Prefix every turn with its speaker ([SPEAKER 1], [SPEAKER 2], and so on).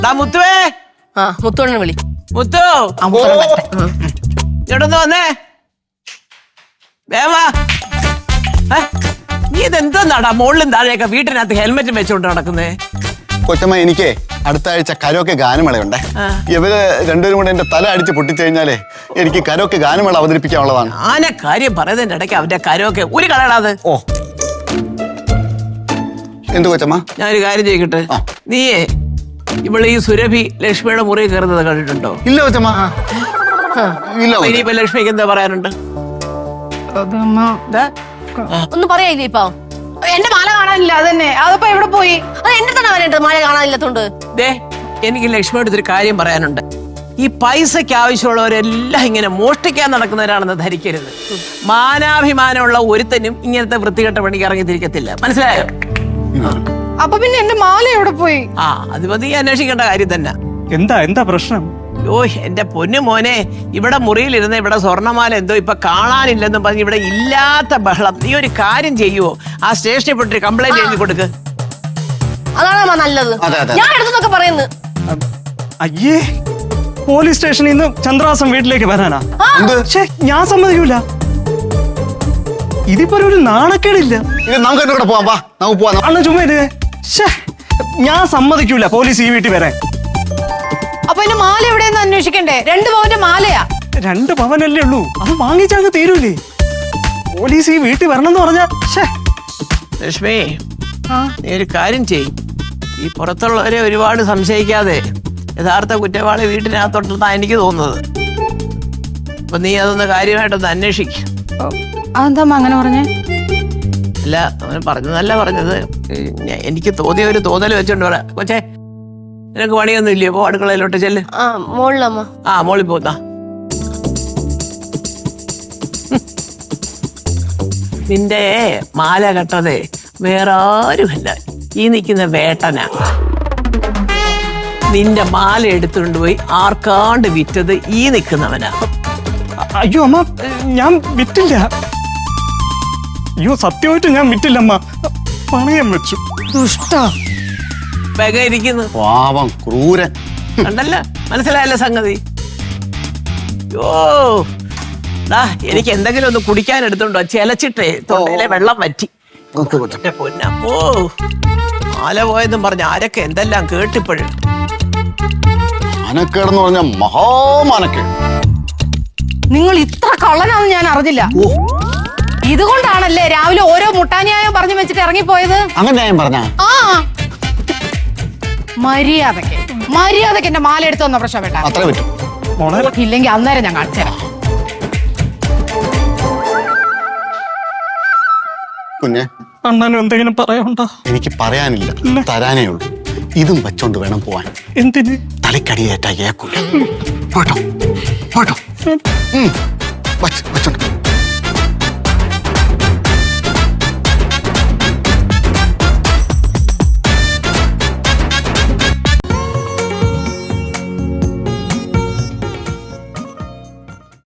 [SPEAKER 1] മുത്തുവേ.
[SPEAKER 2] ആ മുത്തോണ്ണ വിളി.
[SPEAKER 1] മുത്തു ഇങ്ങോട്ടൊന്ന് വന്നേ. വേവാ. നീ ഇതെന്താടാ മുകളിലും താഴെയൊക്കെ വീട്ടിനകത്ത് ഹെൽമെറ്റും വെച്ചോണ്ട് നടക്കുന്നേ?
[SPEAKER 3] കൊച്ചമ്മ, എനിക്ക് അടുത്ത ആഴ്ച കരോക്കെ ഗാനമേളയുണ്ടേ. ഇവര് രണ്ടുപേരും കൂടെ എന്റെ തല അടിച്ച് പൊട്ടിച്ചു കഴിഞ്ഞാലേ എനിക്ക് കരോക്കെ ഗാനമേള അവതരിപ്പിക്കാനുള്ളതാണ്.
[SPEAKER 1] ആന കാര്യം പറയുന്നതിന്റെ ഇടയ്ക്ക് അവന്റെ കരോക്കെ ഒരു കളയടാത്.
[SPEAKER 3] ഓ എന്ത് കൊച്ചമ്മ?
[SPEAKER 1] ഞാനൊരു കാര്യം ചെയ്യട്ടെ. നീയേ ഇവിടെ ഈ സുരഭി ലക്ഷ്മിയുടെ മുറി കയറുന്നത് കണ്ടിട്ടുണ്ടോ?
[SPEAKER 3] ഇല്ല കൊച്ചമ്മ, ഇല്ല.
[SPEAKER 1] ഇനിയിപ്പോ ലക്ഷ്മിക്ക് എന്താ പറയാനുണ്ട്?
[SPEAKER 2] ഒന്നും പറയാനില്ലേ ഇപ്പൊ?
[SPEAKER 4] എന്റെ മാല കാണാനില്ല. അതന്നെ, അതിപ്പോ എവിടെ പോയി?
[SPEAKER 2] അത് എന്റെ തന്നെ വരേണ്ടത്, മാല കാണാനില്ലാത്തോണ്ട്.
[SPEAKER 1] എനിക്ക് ലക്ഷ്മിയോട് ഒരു കാര്യം പറയാനുണ്ട്. ഈ പൈസക്ക് ആവശ്യമുള്ളവരെല്ലാം ഇങ്ങനെ മോഷ്ടിക്കാൻ നടക്കുന്നവരാണെന്ന് ധരിക്കരുത്. മാനാഭിമാനമുള്ള ഒരുത്തനും ഇങ്ങനത്തെ വൃത്തികെട്ട പണിക്ക് ഇറങ്ങിത്തിരിക്കത്തില്ല, മനസ്സിലായോ?
[SPEAKER 4] അപ്പൊ പിന്നെ എന്റെ മാല എവിടെ പോയി?
[SPEAKER 1] അത് മതി അന്വേഷിക്കേണ്ട കാര്യം തന്നെ.
[SPEAKER 5] എന്താ പ്രശ്നം?
[SPEAKER 1] എന്റെ പൊന്നു മോനെ, ഇവിടെ മുറിയിലിരുന്ന് ഇവിടെ സ്വർണ്ണമാല എന്തോ ഇപ്പൊ കാണാനില്ലെന്നും പറഞ്ഞ് ഇവിടെ ഇല്ലാത്ത ബഹളം. നീ ഒരു കാര്യം ചെയ്യുവോ? ആ സ്റ്റേഷനിൽ പോയിട്ട് കംപ്ലൈന്റ് എഴുതി കൊടുക്ക്.
[SPEAKER 2] അതാണ് നല്ലത്. ഞാൻ എടുത്തൊക്കെ പറയുന്നു.
[SPEAKER 5] അയ്യേ, പോലീസ് സ്റ്റേഷനിൽ നിന്ന് ചന്ദ്രാസം വീട്ടിലേക്ക് വരാനാ? ഞാൻ സമ്മതിക്കൂല. ഇതിപ്പോ ഒരു നാണക്കേടില്ല. അണ്ണ ചുമ്മാ ഞാൻ സമ്മതിക്കൂല പോലീസ് ഈ വീട്ടിൽ വരാൻ.
[SPEAKER 4] അപ്പൊ എന്റെ മാല എവിടെയെന്ന് അന്വേഷിക്കണ്ടേ? 2 പവന്റെ മാലയാ.
[SPEAKER 5] 2 പവനല്ലേ ഉള്ളൂ, അത് വാങ്ങിച്ചങ്ങ് തീരൂലേ? പോലീസ് ഈ വീട്ടിൽ വരണം എന്ന് പറഞ്ഞാ.
[SPEAKER 1] ലക്ഷ്മി, നീ ഒരു കാര്യം ചെയ്യും. ഈ പുറത്തുള്ളവരെ ഒരുപാട് സംശയിക്കാതെ യഥാർത്ഥ കുറ്റവാളി വീട്ടിനകത്തോട്ടെന്നാ എനിക്ക് തോന്നുന്നത്. അപ്പൊ നീ അതൊന്ന് കാര്യമായിട്ടൊന്ന് അന്വേഷിക്കും.
[SPEAKER 4] അതെന്താ അങ്ങനെ പറഞ്ഞേ?
[SPEAKER 1] അല്ല, അവന് പറഞ്ഞതല്ല പറഞ്ഞത്. എനിക്ക് തോന്നിയ ഒരു തോന്നൽ വെച്ചോണ്ട് പറയാം. കൊച്ചേ, നിനക്ക് പണിയൊന്നും ഇല്ലയോ? പോ അടുക്കളയിലോട്ട് ചെല്ല്.
[SPEAKER 2] മോളിലമ്മ.
[SPEAKER 1] മോളിൽ പോന്നാ. നിന്റെ മാല കെട്ടതേ വേറെ ആരുമല്ല, ഈ നിൽക്കുന്ന വേട്ടനാ. നിന്റെ മാല എടുത്തുകൊണ്ട് പോയി ആർക്കാണ്ട് വിറ്റത് ഈ നിൽക്കുന്നവനാ.
[SPEAKER 5] അയ്യോ അമ്മ, ഞാൻ വിറ്റില്ല. അയ്യോ സത്യമായിട്ട് ഞാൻ വിറ്റില്ല അമ്മ, പണയം വെച്ചു.
[SPEAKER 1] ഇരിക്കുന്നു
[SPEAKER 3] പാവം ക്രൂരൻ.
[SPEAKER 1] കണ്ടല്ല, മനസ്സിലായല്ലോ സംഗതി. എനിക്ക് എന്തെങ്കിലും ഒന്ന് കുടിക്കാൻ എടുത്തോണ്ടോ? ചെലച്ചിട്ടേ തൊണ്ടയിലെ വെള്ളം വറ്റി. പൊന്നമ്മോ, മാല പോയെന്നും പറഞ്ഞ ആരൊക്കെ എന്തെല്ലാം കേട്ടിപ്പോഴും.
[SPEAKER 3] മനക്കേടെന്ന് പറഞ്ഞ മഹാമാനക്കേട്.
[SPEAKER 4] നിങ്ങൾ ഇത്ര കള്ളനാന്ന് ഞാൻ അറിഞ്ഞില്ല. ഇതുകൊണ്ടാണല്ലേ രാവിലെ ഓരോ മുട്ടാന്യായം പറഞ്ഞു വെച്ചിട്ട് ഇറങ്ങിപ്പോയത്?
[SPEAKER 3] അങ്ങനെ ഞാൻ പറഞ്ഞ
[SPEAKER 4] മര്യാദക്ക് എന്റെ മാല എടുത്തു വന്ന പ്രശ്നം വേണ്ട.
[SPEAKER 3] അത്ര പറ്റും.
[SPEAKER 4] ഇല്ലെങ്കിൽ അന്നേരം ഞാൻ കാണിച്ചുതരാം.
[SPEAKER 3] കുഞ്ഞെ,
[SPEAKER 5] അണ്ണനും എന്തെങ്കിലും പറയാനുണ്ടോ?
[SPEAKER 3] എനിക്ക് പറയാനില്ല, തരാനേ ഉള്ളൂ. ഇതും വെച്ചോണ്ട് വേണം പോവാൻ.
[SPEAKER 5] എന്തിന്?
[SPEAKER 3] തലക്കടിയേറ്റാ കേക്കൂല. പോട്ടോ പോട്ടോ. വെച്ചോണ്ട്